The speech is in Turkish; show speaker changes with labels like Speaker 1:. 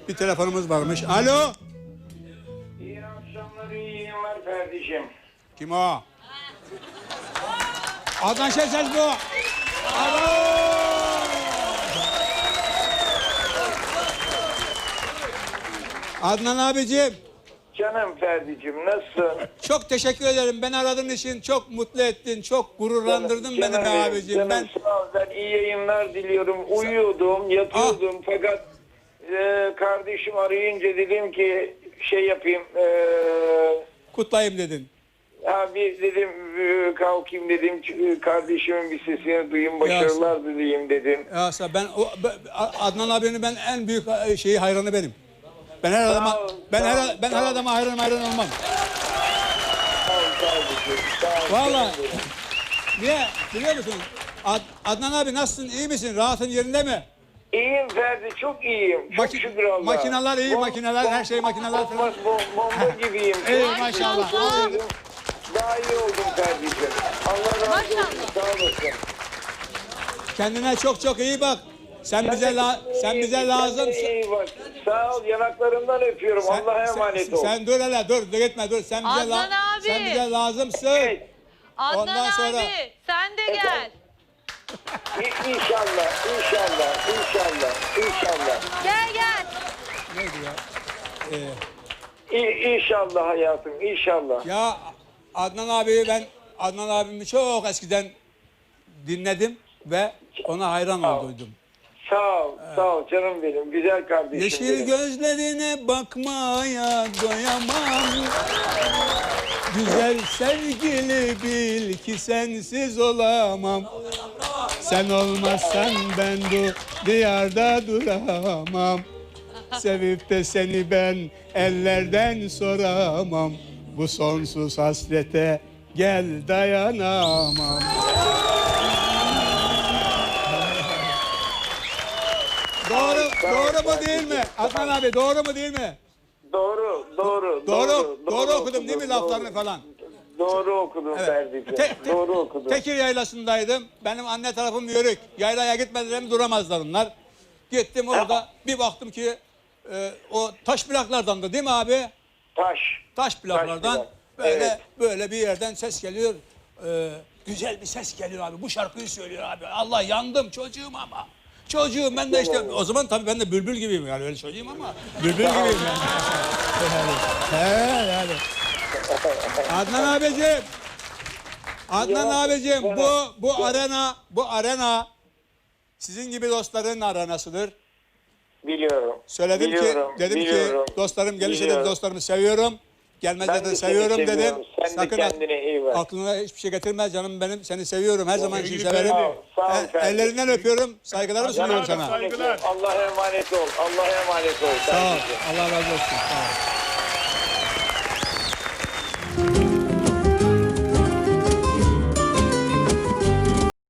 Speaker 1: Bir telefonumuz varmış. Alo.
Speaker 2: İyi akşamlar, iyi yayınlar kardeşim.
Speaker 1: Kim o? Adnan Şenses bu. Alo. Adnan abicim.
Speaker 2: Canım Ferdi'cim, nasılsın?
Speaker 1: Çok teşekkür ederim. Beni aradığın için çok mutlu ettin. Çok gururlandırdın beni be abicim.
Speaker 2: Canım,
Speaker 1: Ben
Speaker 2: sağ ol, ben iyi yayınlar diliyorum. Uyuyordum, yatıyordum fakat kardeşim arayınca dedim ki şey yapayım.
Speaker 1: kutlayayım dedin.
Speaker 2: Abi dedim kalkayım dedim, kardeşimin bir sesini duyayım, başarılar dileyim dedim.
Speaker 1: Ya ben Adnan abinin ben en büyük şeyi hayranı benim. Ben her adama her adama hayran olmam.
Speaker 2: Sağ ol kardeşim, sağ ol.
Speaker 1: Vallahi. Niye? Biliyor musun? Adnan abi nasılsın? İyi misin? Rahatın yerinde mi?
Speaker 2: İyiyim Ferdi, çok iyiyim. Çok şükür Allah'a.
Speaker 1: Makineler iyi, makineler, her şey makineler falan.
Speaker 2: Bomba gibiyim.
Speaker 1: İyi maşallah.
Speaker 2: Daha iyi oldum Ferdi'ciğim. Allah razı olsun, sağ olasın.
Speaker 1: Kendine çok iyi bak. Sen bize lazımsın.
Speaker 2: İyi bak. Sağ ol, yanaklarından öpüyorum. Allah'a emanet ol.
Speaker 1: Sen dur hele, dur gitme dur. Sen bize lazımsın.
Speaker 2: Evet.
Speaker 3: Adnan
Speaker 1: Ondan sonra-
Speaker 3: abi sen de gel.
Speaker 2: İnşallah.
Speaker 3: Gel.
Speaker 1: Neydi ya?
Speaker 2: İnşallah hayatım, inşallah.
Speaker 1: Ya Adnan abimi çok eskiden dinledim ve ona hayran olduydum.
Speaker 2: Sağ ol canım benim, güzel kardeşim
Speaker 1: Yeşil
Speaker 2: benim.
Speaker 1: gözlerine bakmaya doyamam. Güzel sevgili bil ki sensiz olamam. Sen olmazsan ben bu diyarda duramam. Sevip de seni ben ellerden soramam. Bu sonsuz hasrete gel dayanamam. Doğru mu değil mi? Adnan abi doğru mu değil mi?
Speaker 2: Doğru
Speaker 1: okudum değil mi laflarını falan?
Speaker 2: Doğru okudum Ferdi'ciğim. Doğru okudum.
Speaker 1: Tekir yaylasındaydım. Benim anne tarafım Yörük. Yaylaya gitmeden duramazlar onlar. Gittim orada bir baktım ki o taş plaklardan da değil mi abi? Taş plaklardan böyle bir yerden ses geliyor. Güzel bir ses geliyor abi. Bu şarkıyı söylüyor abi. Allah yandım çocuğum ama. Çocuğum ben de işte o zaman tabii ben de bülbül gibiyim yani öyle söyleyeyim ama bülbül gibiyim yani. Yani. Adnan abicim bu arena sizin gibi dostların arenasıdır.
Speaker 2: Biliyorum.
Speaker 1: Söyledim dedim ki dostlarım gelirse de dostlarımı seviyorum. Gelmezse de seviyorum dedim.
Speaker 2: Sen de kendine iyi bak.
Speaker 1: Aklına hiçbir şey getirme canım benim. Seni seviyorum. Her zaman için severim.
Speaker 2: Sağ ol
Speaker 1: Ellerinden öpüyorum. Saygılarımı sunuyorum sana.
Speaker 2: Saygılar. Allah'a emanet ol.
Speaker 1: Sağ ol. Allah razı olsun. Sağ ol.